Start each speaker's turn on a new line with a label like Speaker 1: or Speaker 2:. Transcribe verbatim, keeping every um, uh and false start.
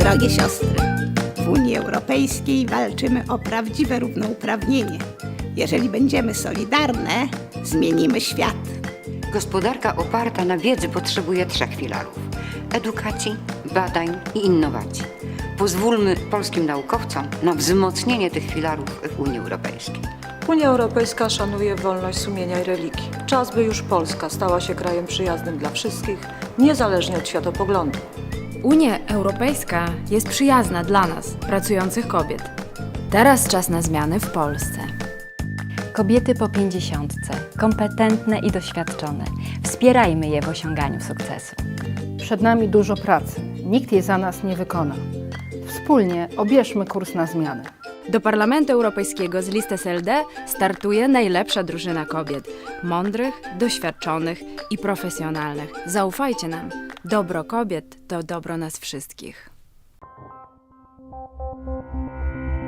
Speaker 1: Drogie siostry, w Unii Europejskiej walczymy o prawdziwe równouprawnienie. Jeżeli będziemy solidarne, zmienimy świat.
Speaker 2: Gospodarka oparta na wiedzy potrzebuje trzech filarów: edukacji, badań i innowacji. Pozwólmy polskim naukowcom na wzmocnienie tych filarów w Unii Europejskiej.
Speaker 3: Unia Europejska szanuje wolność sumienia i religii. Czas, by już Polska stała się krajem przyjaznym dla wszystkich, niezależnie od światopoglądu.
Speaker 4: Unia Europejska jest przyjazna dla nas, pracujących kobiet. Teraz czas na zmiany w Polsce.
Speaker 5: Kobiety po pięćdziesiątce, kompetentne i doświadczone. Wspierajmy je w osiąganiu sukcesu.
Speaker 6: Przed nami dużo pracy. Nikt jej za nas nie wykona. Wspólnie obierzmy kurs na zmianę.
Speaker 4: Do Parlamentu Europejskiego z listy S L D startuje najlepsza drużyna kobiet. Mądrych, doświadczonych i profesjonalnych. Zaufajcie nam. Dobro kobiet to dobro nas wszystkich.